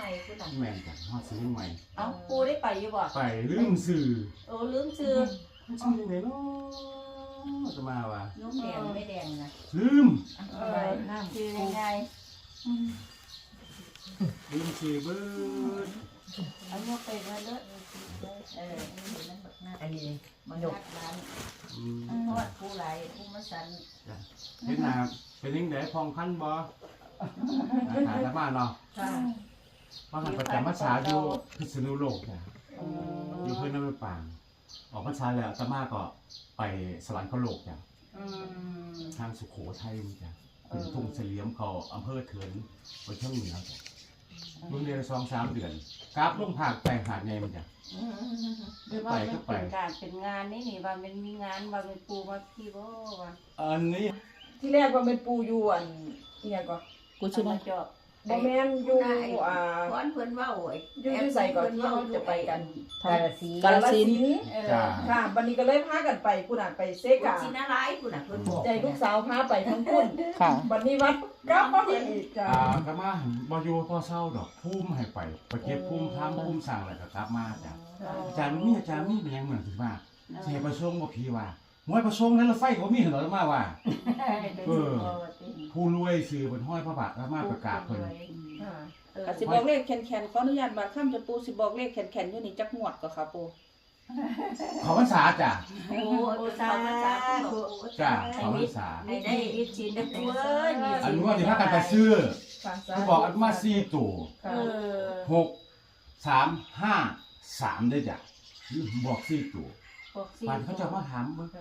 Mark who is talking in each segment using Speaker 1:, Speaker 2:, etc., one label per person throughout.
Speaker 1: ไปผู้หลัง
Speaker 2: แม่นกันฮอดซื้อใหม่
Speaker 1: เอ้าปูได้ไปอยู่บ่
Speaker 2: ไปลืมสื่อ
Speaker 1: โอ้ลืมชื่อ
Speaker 2: มันชื่อยังไงเนาะจะมาว่ะ
Speaker 1: น้องแดงไม่แดงนะ
Speaker 2: ลืม
Speaker 1: ไปน้ำชื่อยังไง
Speaker 2: ลืมสื่อเบิด
Speaker 1: เอายกไปไว้เลยนี่มันแบบนั้น
Speaker 3: อันนี้มัน
Speaker 1: ย
Speaker 3: ด
Speaker 1: ก
Speaker 3: ก
Speaker 1: ร้าน
Speaker 2: อืม
Speaker 1: ทอดผู้ไหลผู้มาสัน
Speaker 2: เฮ็ดนาเป็นยังไงพองคันบ่หาทางบ้านเนาะ
Speaker 1: ค่ะ
Speaker 2: ว่าหันประจำพรรษาอยู่พิษณุโลกจ้ะอยู่เพิ่นน้ำปางออกพรรษาแล้วอาตมาก็ไปสวรรคโลกจ้ะทางสุโขทัยนี่จ้ะถึงทุ่งเสลี่ยมเขาอำเภอเถินไปเที่ยวเหนือจ้ะเมื่อเดือน2-3 เดือนกราบลงภาคไปหาดใหญ่มันจ้ะ
Speaker 1: ว่ามันเป็นการเป็นงานนี่ว่ามันมีงานว่าเป็นปูมาที่บ่ว่า
Speaker 2: อันนี้
Speaker 3: ที่แรกว่าเป็นปูอยู่อันเนี่ยก็
Speaker 1: กูชื่อมาจอบ
Speaker 3: บ่แม่นอยู่
Speaker 1: พอนเพิ่นว่าโอ้ย
Speaker 3: อยู่ใส่ก่อนที่เราจะไปกัน
Speaker 1: กาฬสินธุ์
Speaker 3: กาฬสินธุ์
Speaker 2: จ้ะ
Speaker 3: ค่ะวันนี้ก็เลยพากันไปผู้น่ะไปเซกา
Speaker 1: สินาหลายพุ่นน่ะเพิ่นบอก
Speaker 3: ใจลูกสาวพาไปทั้งคุณ
Speaker 4: ค่ะ
Speaker 3: วันนี้วัดกลับมาอีกจ้ะ
Speaker 2: ก็มาบ่อยู่พอเศร้าดอกภูมิให้ไปเก็บภูมิทำภูมิสั่งแล้วก็กลับมาจ้ะอาจารย์มีเป็นยังเหมือนสิว่าสิให้ประสงค์บ่พี่ว่าหวยประสงค์นั้นรถไฟก็มีเหรอมาว่า ผู้รวยซื้อเพิ่นห้อยพระบาทแล้วมาประกาศเพิ่น
Speaker 3: ค่ะ
Speaker 4: ก็สิบอกเลขแขนๆขออนุญาตบาดค่ำจะปูสิบอกเลขแขนๆอยู่นี่จักงวดก็ค่ะปู
Speaker 2: ขอพรรษาจ้ะ
Speaker 1: โอ้สาธุ
Speaker 2: จ้ะขอพรรษา
Speaker 1: ให้ได้ยินชินได้ตัวเอ้ย
Speaker 2: อันนี้ว่าสิพากันไปซื้อ
Speaker 3: ค่ะ
Speaker 2: เขาบอกอันมา4ตัว
Speaker 3: ค่ะ
Speaker 2: 6 3 5 3ได้จ้ะบอก4ตัวบ้านเขาจะมาถามเบิ่ง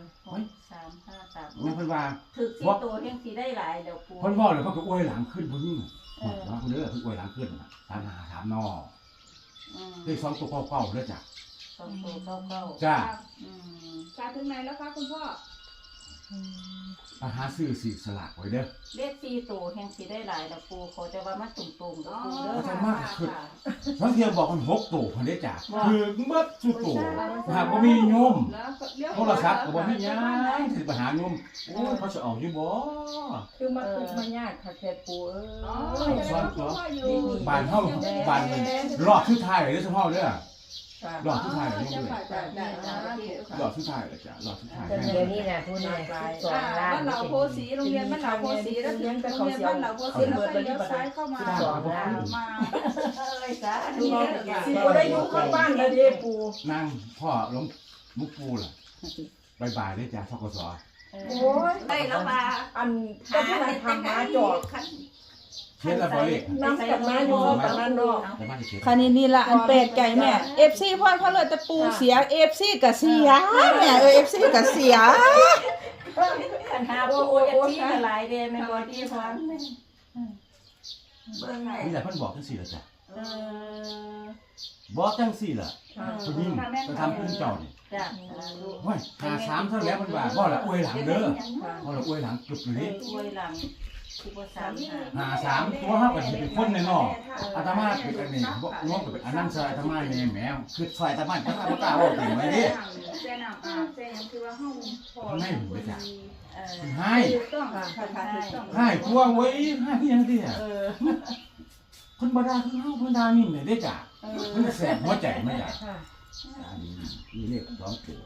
Speaker 1: 3 5 3
Speaker 2: แม่เพิ่นว่า
Speaker 1: ถึกสิตัวเฮงสิได้หลายเดี๋ยวปู
Speaker 2: เพิ่นเว้าแล้วเพิ่นก็อวยหลังขึ้นพุ่นนี่ว่าเพิ่นเด้อเพิ่นอวยหลังขึ้นน่ะ3 5 3นอเลข2ตัวเก่าๆเด้อจ้ะ
Speaker 1: 2ตัวเก้า
Speaker 2: จ้ะ
Speaker 4: สาถึงไหนแล้วคะคุณพ่อ
Speaker 2: ไปหาซื้อสิสลากไว้เด้อ
Speaker 1: เลข4ตัวเฮงสิได้หลายเดี๋ยวปูเขาจะว่ามาตุ่มๆเด้อปูเด้อ
Speaker 2: อาจารย์มากขึ้นบางเทีบอกมัน6ตัวพุ่นเด้อจ้ะคือเบิดสุดตัวหากบ่มีโยม โทรศัพท์ก็บ่มีหยังสิไปหาโยมโอ้ยเขาสิเอาอยู่บ่
Speaker 3: คือมาทุกข์มายากค่ะแค่ปูเอ้ย
Speaker 2: ซ่อนตัวบ้านเฮาบ้านมันรอบสุดท้ายเลยเด้อซุเฮาเด้อ
Speaker 3: ค่ะ
Speaker 2: รอบสุดท้ายเลยโยมเด้อ
Speaker 1: ได้ๆ
Speaker 2: รอบสุดท้ายเลยจ้ะรอบสุดท้าย
Speaker 5: เดี๋ยวนี้นะพูดเนี่ย12 ล้าน
Speaker 4: บ้านเหล่าโพสีโรงเรียนบ้านเหล่าโพสีแล้วถึงโรงเรียนบ้านเหล่าโพสีแล้วก็เลี้ยวซ้ายเข้ามามา
Speaker 1: เอ้ยสาธุ
Speaker 3: สิบ่ได้อยู่ข้างบ้านแล้วเด้ปู
Speaker 2: นั่งพ่อหลวงมุกปูล่ะบ๊ายๆเด้อจ้ะธกส
Speaker 3: โอ้ย
Speaker 1: ได้แล้วมา
Speaker 3: อันก็ผู้นั้นทำมาจอด
Speaker 2: เฮ็ดแล้วบ่เลข
Speaker 3: น้ำกับมาอยู่ตอนนั้นเนาะ
Speaker 2: แต่มาสิเฮ็ด
Speaker 4: คันนี้ละอันเป็ดไก่แม่ FC พ่อเขาเลยแต่ปูเสีย FC ก็เสียแม่FC ก็เสีย
Speaker 1: คันหาปูจะที่หลายเด้แม่บ่ที่พร้อมเบิ่งไหน
Speaker 2: นี่แหละเพิ่นบอกจังซี่ล่ะจ้ะ
Speaker 1: เออ
Speaker 2: บอกจังซี่ล่ะ
Speaker 3: ค่ะ
Speaker 2: ผู้หญิงจะทำผู้เจ้านี่
Speaker 1: จ้ะ
Speaker 2: โอ้ย53เท่าแล้วเพิ่นว่าบ่ละอวยหลังเด้อบ่ละอวยหลังกึบอยู่นี่
Speaker 1: อวยหลังที่บ่3
Speaker 2: 53ตัวเฮาก็สิเป็นคนแน่นอนอาตมาเป็นอันนี้บ่น้องก็เป็นอันนั้นซอยอาตมาแม่แหมคือซอยอาตมาก็บ่กล้าเว้าถึงไว้เด้
Speaker 4: แซ่น้ำแซ่ยังคือว่าเฮาพอ
Speaker 2: ให้หูจ้ะ
Speaker 1: เออ
Speaker 2: ให้
Speaker 4: ถูกต้องค่ะค่ะถูกต้อง
Speaker 2: ให้กลัวไว้ให้คือหยังเด้อเพิ่นบ่ด่าคือเฮาเพิ่นด่านิ่มเลยเด้จ้ะเพิ่นแสบหัวใจมาจ้ะ
Speaker 3: ค่ะ
Speaker 2: อันนี้มีเลข2ตัว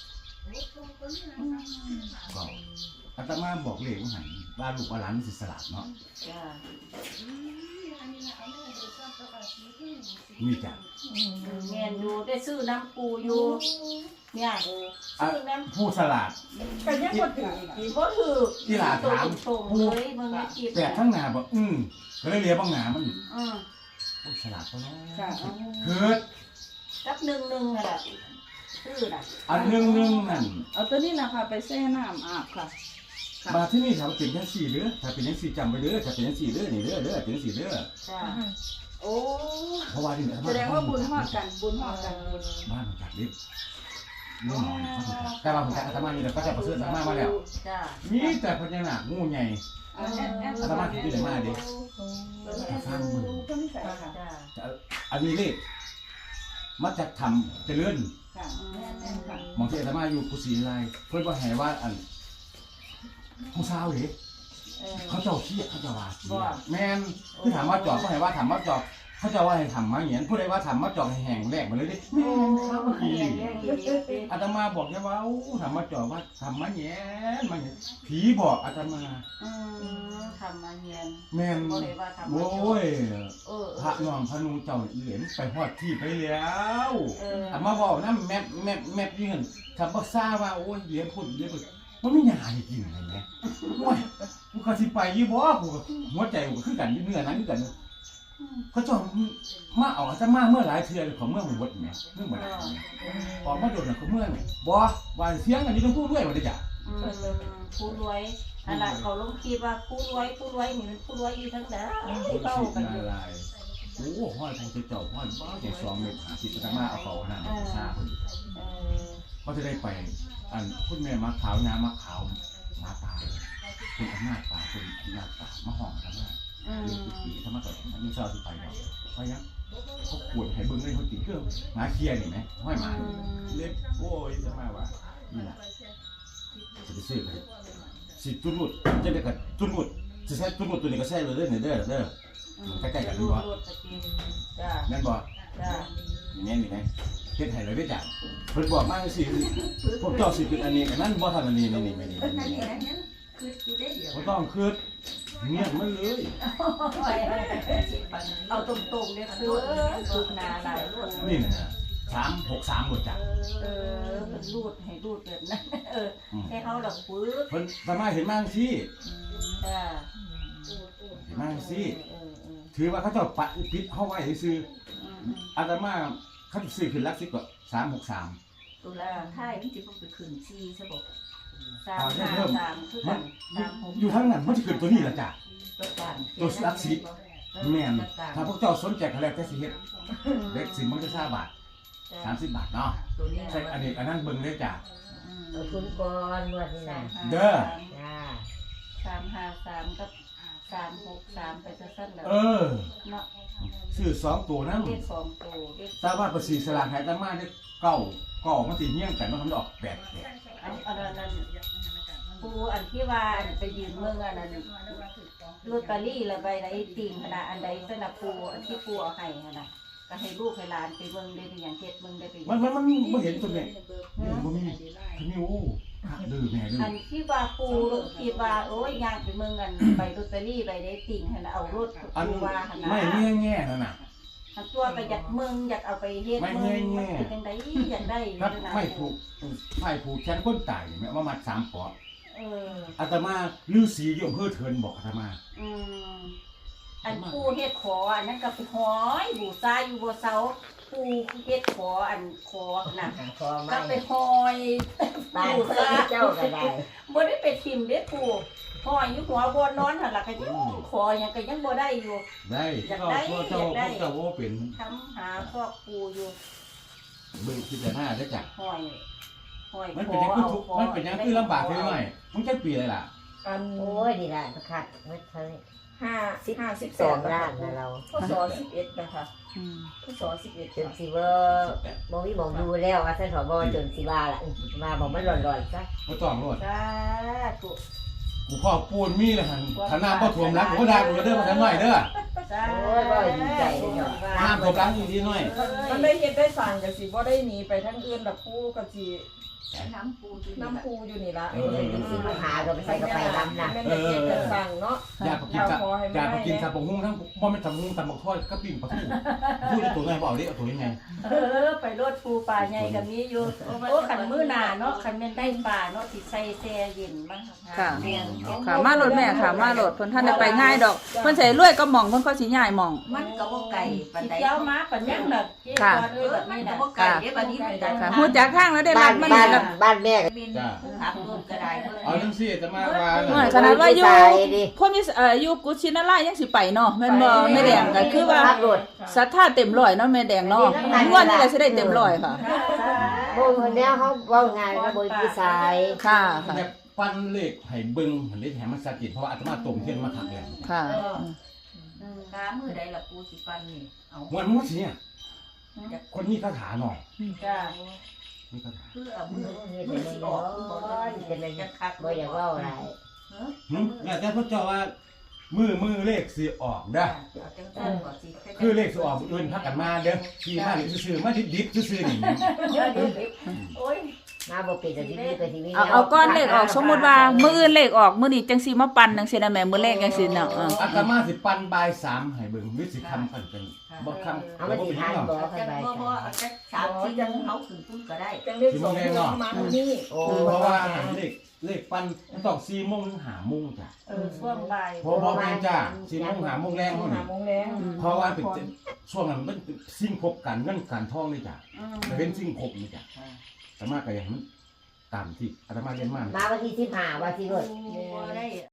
Speaker 2: ก็อาตมาบอกเลขว่าหั่นว่าลูกว่าหลานสิสลัดเนาะ
Speaker 1: จ้ะ
Speaker 2: มีจ้ะ
Speaker 1: แม่นอยู่ได้ซื้อน้ำปูอยู่เนี่ยซื้อน้ำ
Speaker 2: ผู้สลัด
Speaker 3: ก็ยังบ่ถึงอีก
Speaker 1: บ่ถือ
Speaker 2: ที่หลาถาม
Speaker 1: ตรงเลยเบิ่งในคลิป
Speaker 2: แต่ทั้งหน้าบอกก็เลยเรียกบ้างหน้ามัน
Speaker 1: อือ
Speaker 2: ฉลาดเขาเนาะ
Speaker 4: ค่ะ
Speaker 2: คือ
Speaker 1: กับ1น่ะล่ะซื้อน่ะ
Speaker 2: อันหนึ่งนั่น
Speaker 4: เอาตัวนี้นะคะไปแช่น้ำอาบค่ะ
Speaker 2: มาที่นี่ถ้าเป็นจังสี่เด้อถ้าเป็นจังสี่จำไว้เด้อถ้าเป็นจังสี่เด้อนี่เด้อเป็นจังสี่เด้อ
Speaker 1: จ้ะ
Speaker 4: โอ้
Speaker 2: เพราะว่าที่นี่
Speaker 4: แสดงว่าบุญฮอดกันบุญฮอดกันบุญ
Speaker 2: บ้านมันจัดดิบนี่หมอแต่ว่าผมจะอาตมานี่เดี๋ยวก็จะประเสริฐอาตมามาแล้ว
Speaker 1: จ้ะ
Speaker 2: มีแต่พญานาคงูใหญ่ อาตมาคิดอยู่ไหนมาดิฟังมึง
Speaker 1: จ้ะ
Speaker 2: อันนี้เลขมาจากทำเจริญ
Speaker 4: ค่ะค่ะ
Speaker 2: มองที่อาตมาอยู่กุศิลายเพิ่นว่าแห่ว่าอันผู้สาวเด้ เขาเจ้าขี้เขาเจ้าว่าแม่นคือถามว่าจอดก็ให้ว่าถามว่าจอดเขาจะว่าให้ทำมาอย่างนี้ผู้ใดว่าทำมาจอกให้แห้งแรกมาเลยดิอาตมาบอกแค่ว่าทำมาจอกว่าทำมาแย่มันผีบอกอาตมา
Speaker 1: ทำมาเงียน
Speaker 2: แม่น
Speaker 1: บ่ได้ว่าทำมา
Speaker 2: โอ้ย พระ
Speaker 1: เออ
Speaker 2: น้องพระนุงเจ้าเหรียญไปฮอดที่ไปแล้ว
Speaker 1: เออ
Speaker 2: อามาบอกนะแมปยืนทำบักซ่าว่าโอ้ยเหรียญพุ่นเหรียญพุ่นมันไม่ยาให้กินอะไรไหมโอ้ยกูก็สิไปยี่บ่กูก็หัวใจกูคือกันเนื้อนั้นคือกันเขาเจ้ามาเอาจะมาเมื่อหลายเทื่อของเมื่อหมดแหมเมื่อหมดออกมาโดนเขาเมื่อนี่บ่ว่าเสียงอันนี้ต้องพูดด้วยว่าได้จ้ะ
Speaker 1: ผู้รวยอันนั้นเขาลงคลิปว่าผู้รวยนี่มันผู้รวยอยู่ทั้งนั้นเข้ากันอยู่
Speaker 2: โอ้ห้อยทางเจ้าห้อยบ้าใจ2 เมตร50จะมาเอาเขาหน้าซ่าเขาจะได้ไปอันคุณแม่มาขาวนามมาขาวมาตาคุณอำนาจตาคุณอำนาจตามาห้องทำงานปีทำมาก่อนอันนี้เจ้าที่ไปเนาะเพราะยังเขาขวดให้เบิ้งได้เขาตีเครื่องหาเคลียร์นี่ไหมห้อยหมาเล็บโอ้ยจะมาว่านี่แหละจะไปซื้อเลยสิจุดจะได้กับจุดจะใช้จุดตัวนี้ก็ใช้เลยเด้อใกล้ๆกันรู้ป่ะแม่นบ่อย่างนี้นี่ไหมเฮ็ดให้เลยได้จ้ะเพิ่นบอกมาสิพวกเจ้าสิเป็นอันนี้อันนั้นบ่ทันอันนี้นี่บ่ต้องคืดเงียบมันเลย
Speaker 1: เอาตรงๆเนี่ยคือลูกนาหลายรวด
Speaker 2: นี่นะ363หมดจ้ะ
Speaker 1: มันรูดให้รูดแบบนั้นให้เขาดอกปื้ด
Speaker 2: เพิ่นสามารถเห็นมาสิ
Speaker 1: จ้า
Speaker 2: เห็นมาสิถือว่าเขาเจ้าปะปิดเฮาไว้ซื่ออาตมาเขาสิซื้อขึ้นหลัก10ก็363
Speaker 1: ตุลาท้ายที่จะต้องไปคืนซีใช่บ่353คือกัน3
Speaker 2: อยู่ทางนั้นมันสิขึ้นตัวนี้ล่ะจ้ะตัวหลัก10แม่นถ้าพวกเจ้าสนใจก็แล้วแต่สิเฮ็ดเด็กสิมันจะ20 บาท30 บาทเนาะใช่อันนี้อันนั้นเบิ่งเลยจ้ะ
Speaker 5: เอาทุนก่อนนวดนี่นะ
Speaker 2: เด้อ
Speaker 5: จ้า
Speaker 1: 353กับ363ไปซะซั่นแล้ว เนาะ
Speaker 2: ซื้อ2ตัวนำ
Speaker 1: เลข2ตัวเลข
Speaker 2: แต่ว่าประสิทธิ์สลากให้อาตมาได้9มันสิเฮี้ยงกันมันทำออก8
Speaker 1: อันนั้นปูอันที่ว่าไปยืนเมืองอันนั้นลอตเตอรี่ละใบไหนติ่งขนาดอันใดสนับปูอันที่ปูเอาให้ขนาดก็ให้ลูกให้หลานไปเมืองได้เป็นอย่างเฮ็ดเมืองได้ไป
Speaker 2: มันบ่เห็นตัวแม่บ่มีโอ้ดื้อแม่ดื้อ
Speaker 1: อันที่ว่าปูลูกคิดว่าโอ้ยย่างไปเมืองอันใบลอตเตอรี่ใบได้ติ่งขนาดเอารถ
Speaker 2: อัน
Speaker 1: ปูว่าขนาด
Speaker 2: ไม่แง่นั่นน่ะ
Speaker 1: อันตัวก็อยากเมืองอยากเอาไปเฮ็ดเมืองมันเป็นจังได๋อยากได้
Speaker 2: ครับไม่ผูกแขนคนตายนี่แม่ว่ามัด3ปออาตมาฤาษีอยู่อำเภอเทินบอกอาตมา
Speaker 1: อันปูเฮ็ดขออันนั้นก็ไปหอยบูชาอยู่บ่เซาปูเฮ็ดขออันขอน่ะ
Speaker 5: ขอ
Speaker 1: ก็
Speaker 5: ไม่
Speaker 1: ไปหอย
Speaker 5: บ้านเจ้าก็ได้
Speaker 1: บ่ได้ไปทิ่มเด้ปูหอยอยู่หัวบ่นอนหั่นล่ะก็ยังขอหยังก็ยังบ่ได้อยู่
Speaker 2: ได้ก็เจ้าว่าเป็น
Speaker 1: ทำหาพวกปูอยู่
Speaker 2: เบิ่งพิจารณาได้จ้ะ
Speaker 1: หอย
Speaker 2: มันเป็นยังคือทุกมันเป็นยังคือลำบากเลยหน่อยมันแค่ปีเลยล่ะ
Speaker 3: อัน
Speaker 5: โอ้ยดีละขาดไม่เท่านี้
Speaker 3: 52
Speaker 5: ล้านนะเรา
Speaker 3: พศ11นะคะพศ11
Speaker 5: จนสิว่าบ่มีหมองดูแล้วว่าท่านผบจนสิว่าล่ะมาบอกมันหล่อนๆซะ
Speaker 2: บ่ต้องรถ
Speaker 1: สาธุ
Speaker 2: กูพ่อปูนมีเลยหั่นถ้าน้ำบ่ท่วมหลังกูก็ด่ากูเด้อมาทำหน่อยเด้อ
Speaker 1: สา
Speaker 5: โอ้ยบ่ดีใจเลยเนาะ
Speaker 2: น้ำท่วมหลังอีกทีหน่อย
Speaker 3: มันได้เฮ็ดได้สร้างก็สิบ่ได้หนีไปทางอื่นดอกปูก็สิ
Speaker 1: น้ำปูอยู่
Speaker 3: น้ำปูอยู่นี่ละ
Speaker 5: สิมาหาก็ไปใส่กระไปลำนะ
Speaker 3: แม่นได้เฮ็ดได้สร้างเนาะ
Speaker 2: อยากกินสับปะฮุ้งทั้งบ่แม่นสับปะฮุ้งตำบักทอดก็ปิ้งปลาทูพูดตัวไงบ่เอาดิเอาตัวยังไง
Speaker 1: ไปรถปูป่าใหญ่กับนี้อยู่โอ้ขันมื้อหน้าเนาะขันแม่นได้ป่าเนาะสิใส่แช่เย็นมา
Speaker 4: ค่ะค่ะมารถแม่ค่ะมารถเพิ่นท่านได้ไปง่ายดอกเพิ่นใส่รวยก็หม่องเพิ่นก็สิย้ายหม่อง
Speaker 6: มันก็บ่ไก่ปานใด
Speaker 1: เจ้ามาปัญญังน่ะเจ้าเอ้ยแบบ
Speaker 6: มัน
Speaker 1: นี้
Speaker 6: ก็
Speaker 1: น่ะ
Speaker 6: บ่ไก่เด้บัดนี้มันได้
Speaker 4: ค่ะฮู้จักทางแล้วได้
Speaker 5: บ้า
Speaker 4: รั
Speaker 5: น
Speaker 4: บมัน
Speaker 5: บ้าน
Speaker 4: แล้ว
Speaker 5: บ้านแม่ก็
Speaker 6: เป็นขับรถก็ได้เพิ่น
Speaker 2: เอาจังซี่จะมาว่า
Speaker 4: น้อยขนาดว่าอยู่คนมีอยู่กุชินาลายยังสิไปเนาะแม่นบ่แม่แดงก็คือว่า
Speaker 5: ขับรถ
Speaker 4: ศรัทธาเต็มร้อยเนาะแม่แดงเนาะงวดนี้แหละสิได้เต็มร้อยค่ะ
Speaker 5: บ่แล้วเขาเว้าง่ายว่าบ่มีสาย
Speaker 4: ค่ะค่ะ
Speaker 2: แบบปั้นเลขให้เบิ่งหันได้แถมมันสักกิจเพราะว่าอาตมาตรงเทียนมาทักแล้ว
Speaker 4: ค่ะ
Speaker 6: กามื้อใดล่ะปูสิปันนี่เอา
Speaker 2: วันนู้นสิเนี่ยคนนี้คาถาหน่อย
Speaker 1: จ้า
Speaker 2: นี่คาถา
Speaker 6: คือเอามื้อ
Speaker 5: เฮ็ดได้บ่จะได้
Speaker 6: จะคัก
Speaker 5: บ่อยากเว้าหลาย
Speaker 2: แล้วแต่พระเจ้าว่ามือเลขสิออกเด้อ
Speaker 6: เอาจังซั่นก่อนสิ
Speaker 2: คือเลขสิออกอื่นพักกันมาเด้อที่มานี่ซื่อๆมาดิบๆซื่อๆนี่
Speaker 6: โอ้ย
Speaker 5: มาบ่เป็นแต่ที่นี่ก็ที่นี่
Speaker 4: เอาก้อนเลขออกสมมุติว่ามื้ออื่นเลขออกมื้อนี้จังสิมาปั่นจังซี่นะแม่มื้อแรกจังซี่เนาะ
Speaker 2: อาตมาสิปันบ่าย3ให้เบิ่งหรือสิคำกันเป็นบ่คำ
Speaker 5: เอามาสิทานบ่ค่อย
Speaker 6: จัง
Speaker 5: ไป
Speaker 6: บ่เอาจัก3-4ยังเฮาขึ้นพุ่นก็ได้
Speaker 3: จังได้2โมงมานี่
Speaker 5: โอ้
Speaker 2: เพราะว่าเลขปันต้อง4โมงถึง5โมงจ้ะ
Speaker 1: ช่วงบ่าย
Speaker 2: เพราะแม่นจ้ะ4โมง5โมงแรงเฮานี่
Speaker 3: 5โมงแรง
Speaker 2: เพราะว่าเป็นช่วงนั้นมันเป็นสิ่งพบกันเงินการทองนี่จ้ะแต่เป็นสิ่งพบนี่จ้ะแต่มาก็อย่างมันตามที่อาตมาเรียนมา
Speaker 5: มาวันที่15ว่าสิรถ
Speaker 6: บ่ได้